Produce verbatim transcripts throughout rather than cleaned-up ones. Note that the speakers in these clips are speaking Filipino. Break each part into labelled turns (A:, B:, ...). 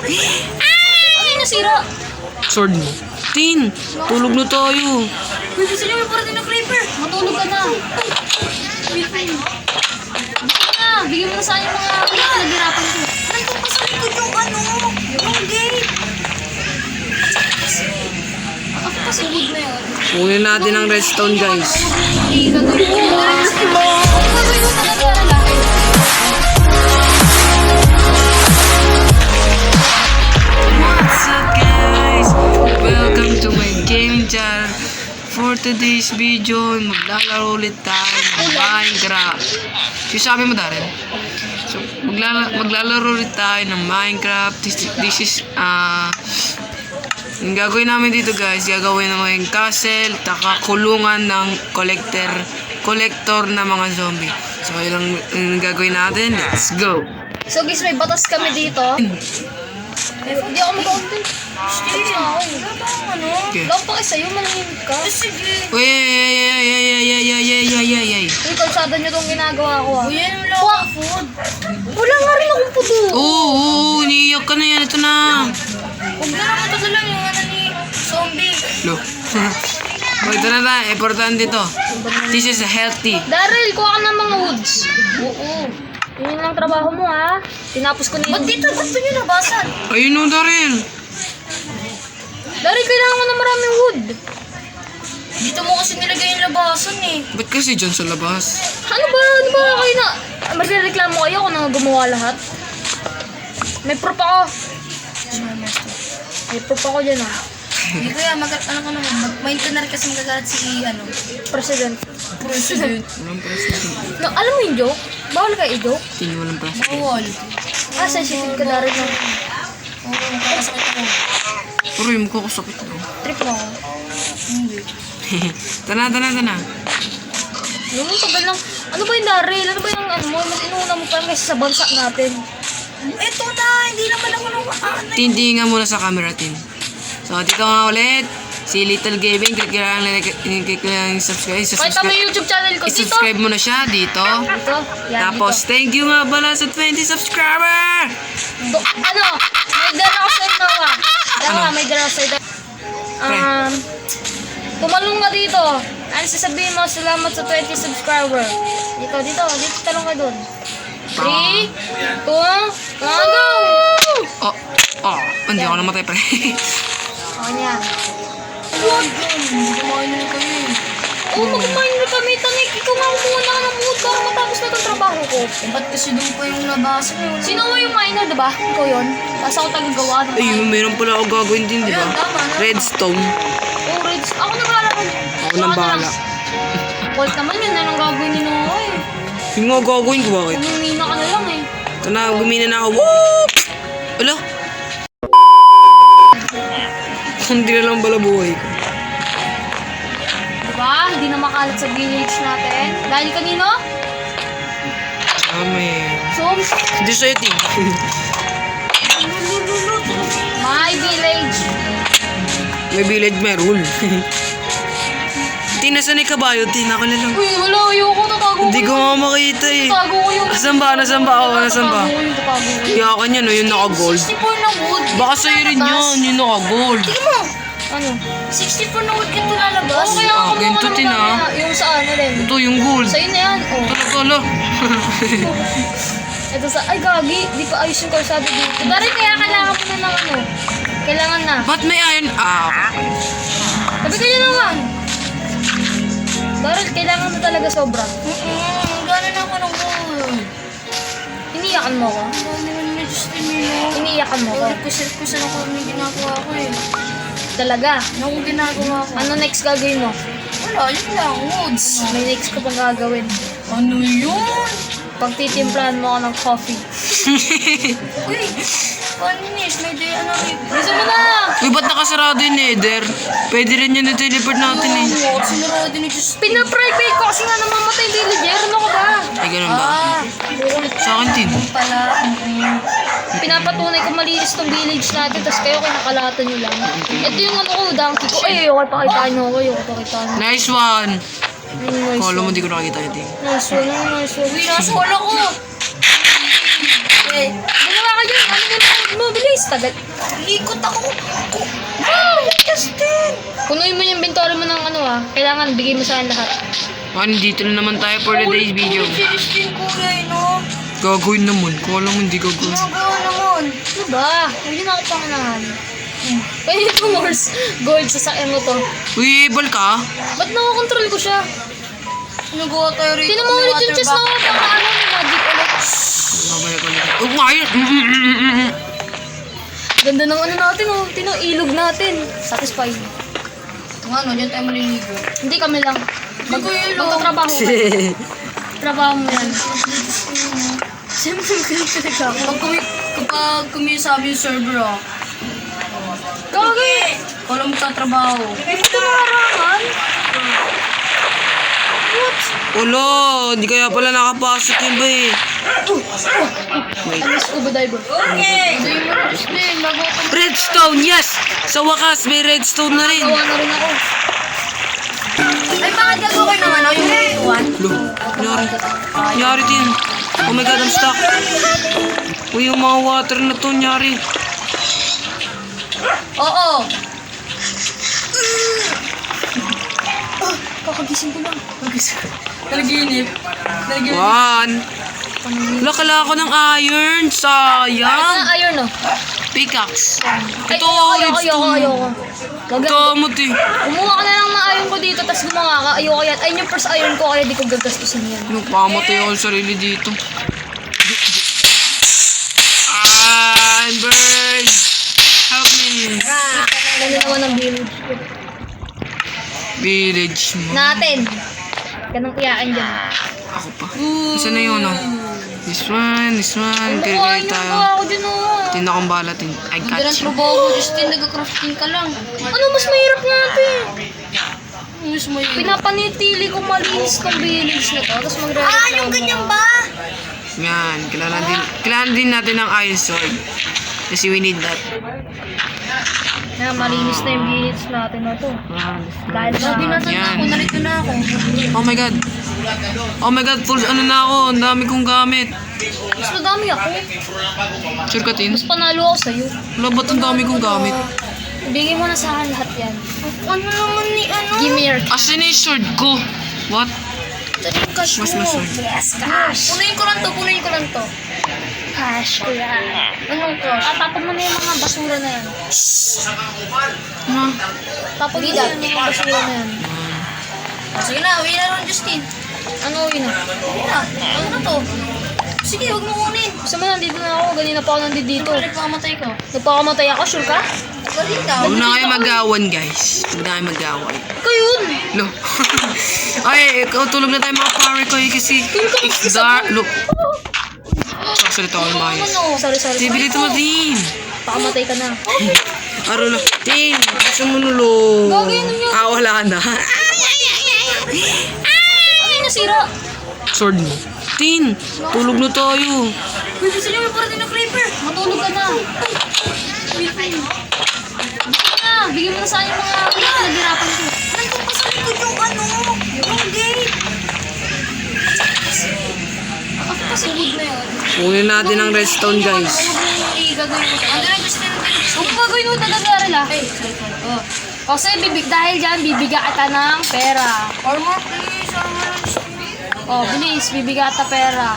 A: Ano yung nasira?
B: Sword mo. Tin, tulog na tayo.
A: Uy, gusto niyo may parating na creeper. Matulog ka na. Wait, wait. Bigyan na. Bigyan mo na sa akin yung mga naghirapan ko. Nandun pa sa likod yung ano, yung gate. Ako pa sa wood na yun.
B: Kunin natin ang redstone, guys.
A: Eh, gagawin ko. Gagawin mo talaga lalaki.
B: What's up, guys? Welcome to my gaming channel. For today's video, maglalaro ulit tayo ng Minecraft. Sabi mo, Darren? So, maglala maglalaro ulit tayo ng Minecraft. This, this is, ah... Uh, yung gagawin namin dito, guys, gagawin namin yung castle, taka kulungan ng collector, collector na mga zombie. So, yun lang yung gagawin natin. Let's go!
A: So guys, may batas kami dito. Eh, hindi ako mag-content. Sige. Wala pa akong ano.
B: Okay.
A: Wala pa kayo sa'yo, manahimik ka. Sige.
B: Uy, ay, ay, ay, ay, ay, ay, ay, ay, ay, ay, ay.
A: Uy, kalsada nyo itong ginagawa ko ah.
C: Uy, yan yung lang ang food.
A: Wala nga rin akong puto.
B: Oo, oo, iniiyak ka na yan. Ito na.
C: Huwag na naman ito lang yung ano ni zombie.
B: Lo. O, ito na tayo. Importante ito. This is healthy.
A: Daryl, kuha ka ng mga woods. Oo. Yun lang trabaho mo ha. Tinapos ko na
C: Ba't
A: yung...
C: dito? Ba't nyo nabasan?
B: Ayun o, Daryl.
A: Daryl, kailangan ko ng maraming wood.
C: Dito mo kasi nilagay yung labasan eh.
B: Ba't kasi dyan sa labas?
A: Ano ba? Ano ba kayo na... Magrereklamo kayo ako na gumawa lahat? May proof ako. May proof ako dyan ah.
C: Hindi kaya mag ano ka naman, mag-maintain kasi magagalit si ano.
A: President.
C: President.
B: Walang president.
A: No, alam mo yung joke? Bawal ka i-joke?
B: Tingin walang president.
C: Bawal.
A: Ah, sensitive ka na rin ng
C: Oo, magkakasakit ako.
B: Pero yung mukha ko sakit daw.
A: trip mo ako.
C: Hindi.
B: Tana, tana, tana.
A: Ano mo, tagal lang. Ano ba yung Daryl? Ano ba yung ano mo? Mas inuuna mo pa kasi sa bansa natin.
C: Ito na, hindi naman ako nung ano.
B: Tintingan muna sa camera, Tin. So, dito nga ulit. Si Little Gaming. Click lang lang click lang subscribe.
A: Kahit kami YouTube channel ko dito.
B: I-subscribe mo na siya dito.
A: Dito. Yan,
B: Tapos,
A: dito.
B: thank you nga pala sa twenty subscriber!
A: Do, ano? May dala ako sa'yo, Noah. Dala
B: Ano?
A: nga, may dala ako sa'yo. Um, tumalong ka dito. Ano sasabihin mo? Salamat sa twenty subscriber. Dito, dito. Dito talong ka dun. three, two, one, go!
B: Oh, oh, hindi ako namatay pa.
A: Okay na yan.
C: Huwag yun. Kumain na kami.
A: Oo, mag-mine na kami. Tanik, ikaw nga kumuha na ka ng mood para matapos na itong trabaho ko.
C: Eh, ba't kasi doon pa yung labasan eh? Wala.
A: Sino mo yung miner, diba? Ikaw yun. Tapos ako tagagawa ng
B: Ay, meron pala ako gagawin din, di ba?
C: Ayun, tama na.
B: Redstone.
A: Oh, Reds. Ako nagbahala ko.
B: Ako nang bahala.
A: Colt naman yun. Anong gagawin ni Noah eh.
B: Yung nga gagawin ko, bakit?
A: Umingina ka na lang eh.
B: Ito na, gumina na ako. Whoop! Wala? Hindi na lang pala buhay ko.
A: Diba? Hindi na makalat sa village natin. Dahil kanino?
B: Ah, may...
A: So,
B: Hindi sa'yo, Ting.
A: my village.
B: May village, may rule. Ting, nasan yung kabayo? Ting, ako na lang.
A: Uy, wala. Ayoko. Tatago ko.
B: Hindi ko nga makita eh.
A: Tatago ko yun.
B: Nasaan ba? Nasaan ba? Oo, nasaan ba?
A: Tatago ko yun. Tatago ko yun.
B: Iyakan yan, no? Yung naka-gold.
C: sixty-four na wood.
B: Baka sa'yo rin yun, yung naka-gold.
C: Tingnan mo.
A: Ano?
C: sixty-four na wood ganito lalabas.
A: Oo, kaya
B: Ah,
A: ako
B: ganito
A: mukha
B: din,
A: naman
B: ah.
A: kaya yung sa ano rin.
B: Ito, yung gold.
A: Sa'yo na yan. Oh.
B: Tolo, tolo.
A: Ito sa... Ay, gagi. Di pa ayos yung kalsada dito. Dari, kaya kailangan mo na ng ano. Kailangan na.
B: Ba't may iron? Ah,
A: Sabi ka niya naman. Daryl, kailangan mo talaga sobra.
C: Mm-mm, gano'n ako ng wood.
A: Iniiyakan mo ko.
C: Ano naman na Justin nila?
A: Iniiyakan mo ko.
C: Represent-present ako may ginagawa ko eh.
A: Talaga.
C: Ano akong ginagawa ko?
A: Ano next gagawin mo?
C: Wala, yun lang. Woods.
A: May next ka pang gagawin.
C: Ano yun?
A: Pagtitimplahan mo ako ng coffee.
C: Uy, paninis. May day, ano rin.
A: Gusto mo na!
B: uy, ba't nakasarado yung nether? Pwede rin yun i-teleport natin eh.
C: Oo, sinarado ni Justin.
A: Pina-private ko kasi nga namamatay yung villager. Ano ka ba?
B: Ay, ganun ba?
C: Ah,
B: Sa akin, Tin.
C: pala. mm,
A: Pinapatunay ko malinis tong village natin, tapos kayo kinakalatan nyo lang. Ito yung ano ko, donkey ko. Ay, okay, pakitaan nyo ako. Ayoko pakitaan nyo.
B: Nice one.
A: Nice
B: Kala mo
A: one.
B: di ko nakakita yung Ting.
A: Nice one, nice one.
C: Uy, nasa wala ko. Eh,
A: Ginawa ka ka dyan. Ano mo na mo? Bilis. Tagal.
C: Ikot ako. Wow, Justin.
A: Punuin mo yung inventory mo ng ano ah. Kailangan bigay mo sa akin lahat.
B: Ano, dito na naman tayo for today's video.
C: Si Justin, kuya, eh, no?
B: Gagawin naman. Kung alam mo hindi gagawin.
C: Nagawa naman.
A: Ano ba? Hindi na ako pangalangan. Pwede ito Morse gold sa sakyan mo to.
B: Uy, bal ka?
A: Ba't nakokontrol ko siya?
C: Nagawa tayo rito.
A: Tinan mo ulit yung chest na ako. Baka ano, may magic ulit.
B: Babalik ulit. Oh, ngayon! Mm, mm, mm, mm, mm.
A: Ganda ng ano natin oh. Tinan, ilog natin. Satisfied.
C: Ang ano, dyan tayo maliligo.
A: Hindi kami lang. Mag
C: Mag-ilog.
A: magtatrabaho ka. Trabaho mo yan. Siyempre magkakalit ako.
C: Pag kumi, kapag kumisabi yung server, ah.
A: Gagi!
C: Ikaw lang magtatrabaho.
A: Hindi ko maharangan. What?
B: Ulo, hindi kaya pala nakapasok yun ba eh. Wait.
A: Ano scuba diver?
C: Okay! Hindi mo na, Justin. Nagawa ka.
B: Redstone, yes! Sa wakas, may redstone na rin.
A: Gawa na rin ako.
C: Ay, bakit gagawa kayo ng ano? Yung one?
B: Lo, nangyari. Nangyari din. Oh my god, I'm stuck. Uy, yung mga water na to, nangyari.
C: Oo.
A: Kakagising ko lang.
C: Nalaginip. Nalaginip.
B: One. Wala, kailangan ko ng iron. Sayang.
A: Ano iron no?
B: Pickaxe.
A: Ay,
B: Ito,
A: ayoko, ayoko,
B: redstone.
A: ayoko. Wag lang.
B: Damot eh.
A: Kumuha ka na lang ng iron ko dito, tapos gumawa ka. Ayoko yan. Ayun yung first iron ko, kaya di ko gagastusin yan.
B: Nagpamatay ako sa sarili dito. Ah, I'm burned. Help me.
A: Ganda naman ang village ko.
B: Village mo.
A: Natin. Ganang iyakan dyan.
B: Ako pa. Isa na yun, oh. This one, this one.
A: Ano
B: Kaya
A: ko,
B: kaya
A: ayun
B: tayo.
A: yung ako dyan oh.
B: Tinda kong bala. Tin I
C: Hindi
B: got
C: lang
B: you.
C: trabaho mo, Justin. Nag-crafting ka lang.
A: Ano mas mahirap natin?
C: Mas mo yun.
A: Pinapanitili ko malinis ng village na to, tapos magre
C: Ah, yung ganyan ba?
B: Yan. Kailangan din, kailangan din natin ng iron sword. Kasi we need that.
A: Na, malinis na yung village natin na to.
B: Ah,
A: Dahil sa...
C: Sabi nasan na
B: Yan.
C: ako, narito na ako.
B: Oh my god. Oh my god, full ano na ako. Ang dami kong gamit.
A: Mas madami ako.
B: Sure ka, Tin?
A: Mas panalo ako sa'yo.
B: Wala, ba't ang dami kong gamit?
A: Ibigay mo na sa akin lahat yan.
C: Ano naman ni ano?
A: Give me your
B: Asan na yung sword ko? What?
C: Ito yung cash
B: Mas
C: mo.
B: mas sword.
A: yes, cash.
C: Punuin ko lang to, punuin ko lang to.
A: Cash ko yan.
C: Anong cash?
A: Ah, tapon mo na yung mga basura na yan.
B: Ma?
A: Tapon mo na yung mga basura na yan.
C: Ah, sige na, uwi na lang, Justin.
A: Ano yun ah?
C: Uwi na. Ano na to? Sige, huwag mo kunin.
A: Gusto mo nandito na ako, ganina pa ako nandito dito.
C: Ito, nagpakamatay ko.
A: Nagpakamatay ako, sure ka?
C: Dali na.
B: Huwag na kayo mag-awan, guys. Huwag na kayo mag-awan.
A: Ikaw yun!
B: Lo. Ay, ikaw tulog na tayo mga pare ko eh, kasi it's dark. Lo. Sasalita ko ng maayos.
A: Ano? Sorry, sorry. sorry.
B: Tibilito mo, Tin.
A: Pakamatay ka na.
B: Aro na. Tin, gusto mo nulo.
A: Gagi, ano yun?
B: Ah, wala na.
A: Ano yung nasira?
B: Sword mo. Tin, tulog na tayo.
C: Uy, gusto niyo may parating na creeper.
A: Matulog ka na. Bigyan na. Bigyan mo na sa akin yung mga pinaghirapan ko.
C: Nandun pa sa likod yung ano, yung gate.
A: Ako pa wood na yun.
B: Kunin natin ang redstone, guys.
A: Ay, gagawin mo.
C: Ano na, Justin?
A: Huwag mo gagawin mo tagagara lang. Oh. Kasi bibig, dahil dyan, bibigyan kita ng pera.
C: Armor, please. Armor, Justin.
A: Oh, bilis, bibigyan kita pera.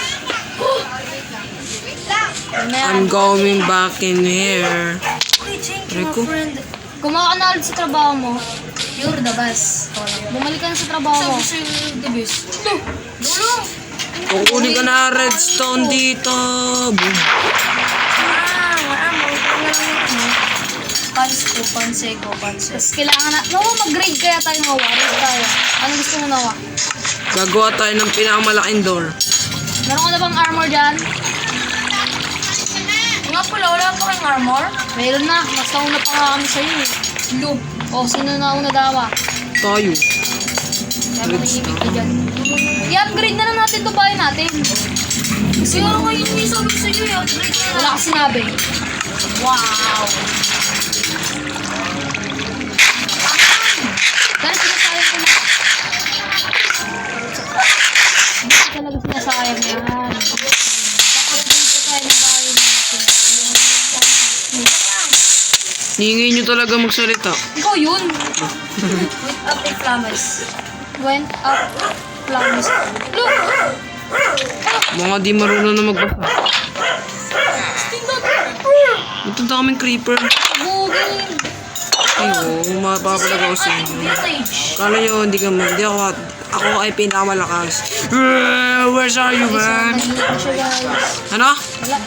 A: Ano na yan?
B: I'm going back in here.
C: Okay, thank you,
B: Rico?
C: my friend.
A: Gumawa ka na ulit sa trabaho mo.
C: You're the best.
A: Bumalik ka na sa trabaho mo.
C: Sabi sa'yo, the best. Ito. Dulo.
B: Kukunin ka na redstone dito. Boom.
C: Ah, maamo. Pans ko, panse ko, panse.
A: Tapos kailangan na, no, mag-grade kaya tayo mga warriors tayo. Ano gusto mo nawa?
B: Gagawa tayo ng pinakamalaking door.
A: Meron ka na bang armor dyan?
C: Nga pala, wala pa kang armor?
A: Meron na, mas nauna pa nga kami sa'yo eh.
C: Loop.
A: O, sino na una dawa?
B: Tayo.
A: Kaya manihimik ka dyan. I-upgrade na lang natin ito bahay natin.
C: Kasi nga nga yun yung sabi ko sa'yo, i-upgrade na.
A: Wala ka sinabi.
C: Wow.
A: Dahil sinasayang ko na. Hindi ko talaga sinasayang yan. Kaka-upgrade ko tayo ng bahay natin.
B: Hingay nyo talaga magsalita.
A: Ikaw yun.
C: With up in flames.
A: Went up. Flames. Look!
B: Mga di marunong na magbasa. Punta kaming creeper.
A: Bugin.
B: Ay, oo, mapapalaga ko sa inyo.
C: Vintage.
B: Kala nyo, hindi ka man. Hindi ako, ako ay pinakamalakas. Uh, where's are you, man?
A: Nahihit na siya, guys.
B: Ano?
A: Wala.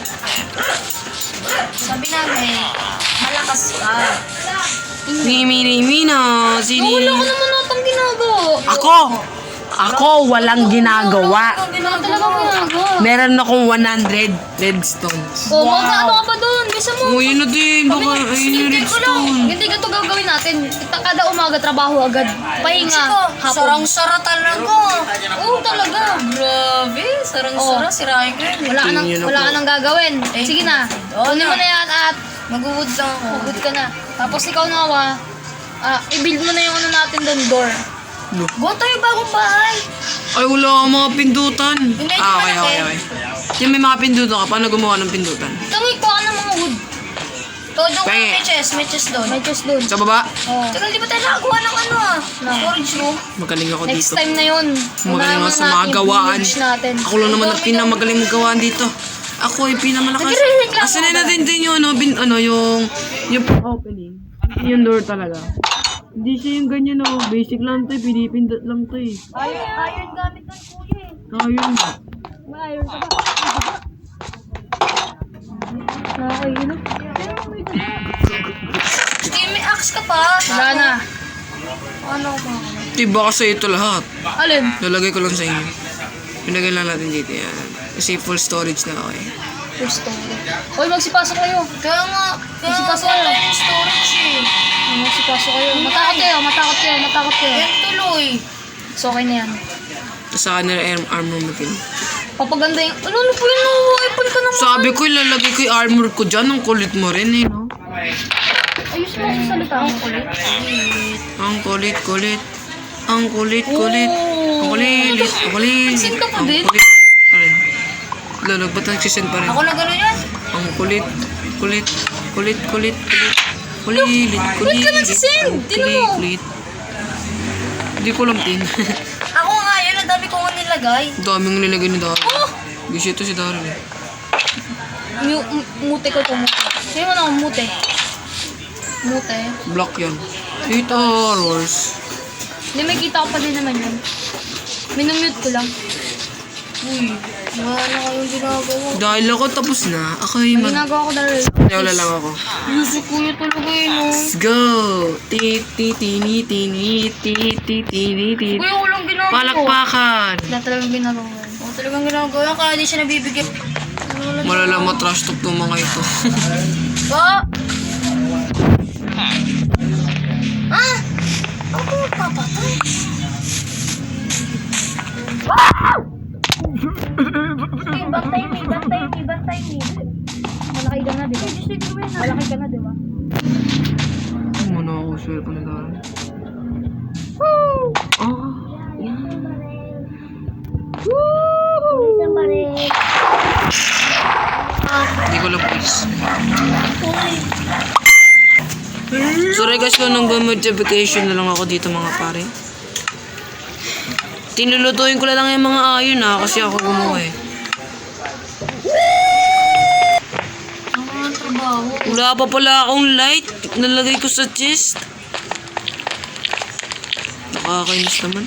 C: Sabi namin, malakas ka.
B: Nimi, nimi na. Sini.
A: Wala ko naman natang ginagawa.
B: Ako! Ako, walang ginagawa.
A: Wala talagang ginagawa.
B: Meron akong one hundred redstones.
A: Oh, mag-ano ka pa doon? Bisa mo.
B: Oh, yun na din. Baka, ayun yung redstone.
A: Hindi ganito gagawin natin. Kita- Kada umaga trabaho agad. Pahinga. Hapon.
C: Sarang-sara talaga.
A: Oo, talaga.
C: Grabe, sarang-sara. Sirahin ko yun.
A: Wala ka nang,
B: Tingin
A: wala ka
B: ako.
A: nang gagawin. Sige na. Kunin mo na yan at
C: Mag-uwood lang ako.
A: magod ka na. Tapos ikaw nawa, ah, i-build mo na yung ano natin doon, door.
C: Go tayo bagong bahay.
B: Ay, wala akong mga pindutan.
C: Hindi,
B: Ah, okay,
C: hindi
B: okay,
C: malaki.
B: okay. Yung may mga pindutan ka, paano gumawa ng pindutan?
A: Tangoy ko ka ng mga wood.
C: Todo ko
B: Penge.
C: may chest, may chest doon.
A: May chest doon.
B: Sa baba?
A: Oh.
C: Tagal, di ba tayo nakakuha ng ano ah?
A: No.
C: Storage room.
B: Magaling ako
A: Next
B: dito.
A: time na yun.
B: Magaling
A: Unahan
B: ako
A: na
B: sa mga
A: natin yung
B: gawaan.
A: village natin.
B: Ako lang naman ang pinamagaling magawaan dito. Ako ay pinamalakas.
A: Nagre-reklamo
B: Asan
A: ka
B: na
A: ba?
B: din din yung ano, bin, ano, yung, yung opening. Yung door talaga. Hindi siya yung ganyan oh. Basic lang to eh. Pinipindot lang to eh.
C: Iron, iron gamit ng kuya eh.
B: Ayun.
A: May iron ka ba? Nakakainom.
C: Sige, may axe ka pa.
A: Wala na.
C: Ano ba?
B: Diba kasi ito lahat.
A: Alin?
B: Lalagay ko lang sa inyo. Pinagay lang natin dito yan. Kasi full storage na ako eh.
A: Gusto ko. Hoy, magsipasok kayo.
C: Kaya nga, kaya
A: Kasi
C: nga
A: pasok
C: wala
A: kayo.
C: yung storage eh.
A: Magsipasok kayo. Matakot kayo, matakot kayo, matakot kayo.
C: Yan tuloy.
A: So, okay na yan.
B: Tapos sa kanila arm, armor mo pin.
A: Papaganda yung... Ano, ano po yun? Nawaipon ka naman.
B: Sabi ko, ilalagay ko yung armor ko dyan. Ang kulit mo rin eh, no?
A: Ayos mo sa salita. Ang kulit.
B: Ang kulit, kulit. Ang kulit, kulit. Ang kulit, ang kulit.
A: Nagsin ka pa
B: Ang
A: din?
B: kulit. Aray. Lalo, ba't nagsisend pa rin?
C: Ako na gano'n yan.
B: Ang kulit, kulit, kulit, kulit, kulit. Kulit, kulit.
A: ka nagsisend? Tingnan mo.
B: Kulit. Hindi ko lang tin.
C: Ako nga yun, ang dami ko nga nilagay.
B: Ang daming nilagay ni Daryl.
A: Oh!
B: Busy ito si Daryl eh.
A: Mu- m- mute ko to, mute. Sino mo na akong mute? Mute.
B: Block yan. Eight hours.
A: Hindi, may kita ko pa din naman yun. Minumute ko lang.
C: Uy, wala na kayong ginagawa.
B: Dahil ako tapos na, ako ay
A: May
B: mag...
A: ginagawa ko dahil.
B: Wala lang ako.
C: Yuso kuya talaga yun oh.
B: Let's go! Ti ti tini tini ti ti tini ti.
C: Kuya, walang ginagawa.
B: Palakpakan!
A: Wala talagang ginagawa.
C: Wala talagang ginagawa yan, kaya di siya nabibigyan.
B: Malala matrash talk ng mga ito.
C: Ba? Ah! Ako magpapatay. Hey, bantay me, bantay me, bantay me.
A: Malaki ka na, di ba? Malaki ka na, di ba?
B: Ano na ako, swear pa na Daryl. Woo! Ah!
C: Isang baril.
B: Hindi ko lang please. Sorry guys kung nang modification na lang ako dito mga pare. Tinulutuin ko lang yung mga ayon ah kasi ako gumawa eh.
C: Ang mga trabaho.
B: Wala pa pala akong light. Nalagay ko sa chest. Nakakainis naman.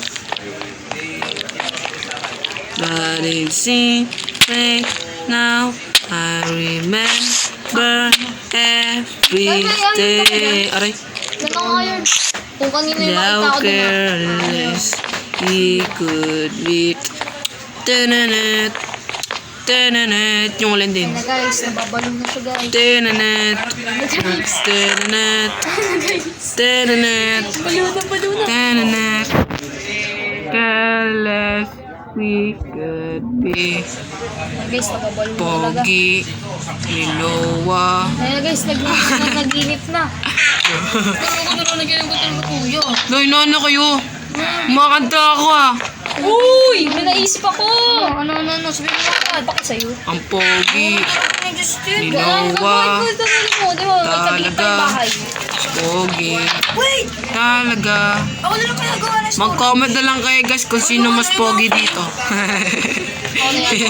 B: But it's secret now. I remember every day. Aray.
A: Yan ang iron. Kung kanina yung
B: How
A: makita ko din.
B: careless he could be. Tananet. Tananet. Yung ulan din.
A: Na guys, nababalong na siya guys.
B: Tananet. Tananet. Tananet.
A: Balo na, balo na.
B: Tananet. Careless we could be.
A: Guys, nababalong na talaga.
B: Pogi. Lilowa.
A: Ayan guys, nag- nag-inip na.
C: Ano ko na nagyan ko talaga kuya?
B: Dahil na ano kayo? Makanta ako ah.
A: Uy! May naisip ako!
C: Ano, ano, ano, sabihin mo agad.
A: Bakit sa'yo?
B: Ang pogi.
C: Ay, Justin.
B: Lilowa.
A: Ay, gagawin ko, gagawin mo. Di ba? Magkabit
B: Talaga.
A: tayong bahay.
B: pogi.
C: Wait!
B: Talaga.
C: Ako na lang kaya gawa na story.
B: Mag-comment na lang kayo guys kung sino mas pogi dito.
A: Ako na yan.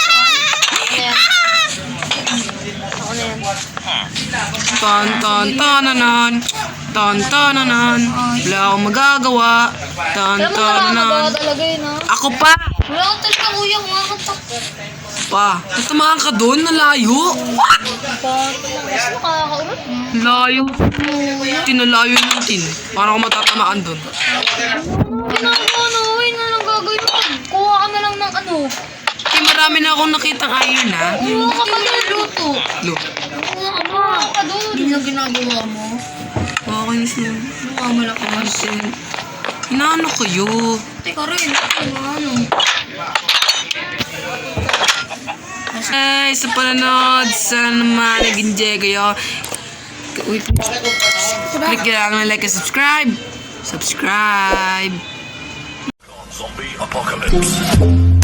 A: Ako na yan.
B: Ton ton tonanan. Ton tonanan. Wala akong magagawa. Ton
A: Alam mo nakakagawa
B: tonanan.
A: talaga yun, ha?
B: Ako pa!
A: Wala ka talaga, kuya. Kumakanta.
B: Pa, tatamaan ka doon, nalayo.
A: Mas nakakaulat.
B: Layo. Tinalayo natin. Parang ako matatamaan doon.
A: Ginagawa na, uy, na lang gagawin mo. Kuha ka na lang ng ano.
B: Eh, marami na akong nakitang iron ha.
A: Kuha ka pa ng luto.
B: Lo.
A: Kuha ka pa. Ka doon.
C: Hindi na ginagawa mo.
B: Okay na siya.
C: Mukha malakas.
B: Inaano kayo?
C: Teka rin. Ano?
B: Ay, sa panonood, sana naman nag-enjoy kayo. Uy, click lang na like and subscribe. Subscribe.
D: Zombie apocalypse.